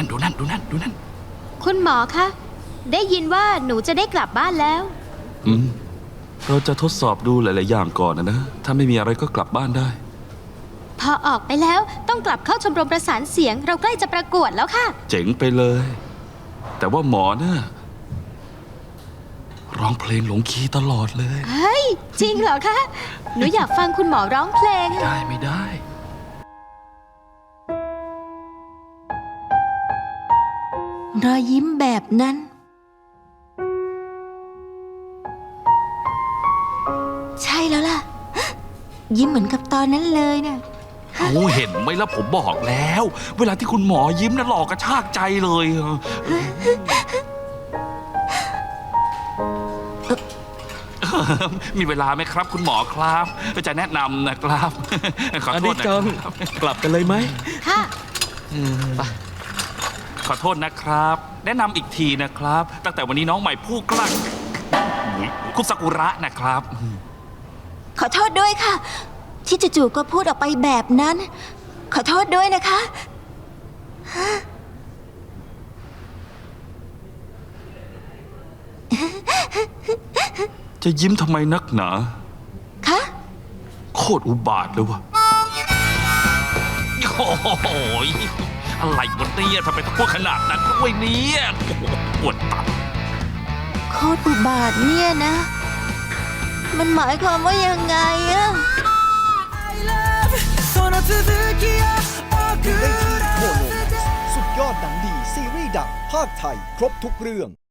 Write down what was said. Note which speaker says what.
Speaker 1: นั่นดูนั่นดูนั่นดูนั่น
Speaker 2: คุณหมอคะได้ยินว่าหนูจะได้กลับบ้านแล้ว
Speaker 3: เราจะทดสอบดูหลายๆอย่างก่อนนะถ้าไม่มีอะไรก็กลับบ้านได้
Speaker 2: พอออกไปแล้วต้องกลับเข้าชมรมประสานเสียงเราใกล้จะประกวดแล้วค่ะ
Speaker 3: เจ๋งไปเลยแต่ว่าหมอเนี่ยร้องเพลงหลงคีย์ตลอดเลย
Speaker 2: เฮ้ยจริงเหรอคะหนูอยากฟังคุณหมอร้องเพลง
Speaker 3: ได้ไม่ได้
Speaker 4: รอยยิ้มแบบนั้นใช่แล้วล่ะยิ้มเหมือนกับตอนนั้นเลยนะ
Speaker 1: เอาเห็นไหมล่ะผมบอกแล้วเวลาที่คุณหมอยิ้มน่ะหล่อกระชากใจเลยมีเวลาไหมครับคุณหมอครับจะแนะนำนะครับขอโทษนะครับ
Speaker 5: กลับกันเลยไหม
Speaker 2: ค่ะ
Speaker 1: ขอโทษนะครับแนะนำอีกทีนะครับตั้งแต่วันนี้น้องใหม่ผู้กล้าคุณซากุระนะครับ
Speaker 4: ขอโทษด้วยค่ะที่จู่ๆก็พูดออกไปแบบนั้นขอโทษด้วยนะคะ
Speaker 3: จะยิ้มทำไมนักหนา
Speaker 4: คะ
Speaker 3: โคตรอุบาทเลยวะ
Speaker 1: โอ้โหอะไรวะเนี่ยทำไมต้องพูดขนาดนั้นด้วยเนี่ยปวดตับ
Speaker 4: โคตรอุบาทเนี่ยนะมันหมายความว่ายังไงอะ
Speaker 6: สุดยอดหนังดีซีรีส์ดังภาคไทยครบทุกเรื่อง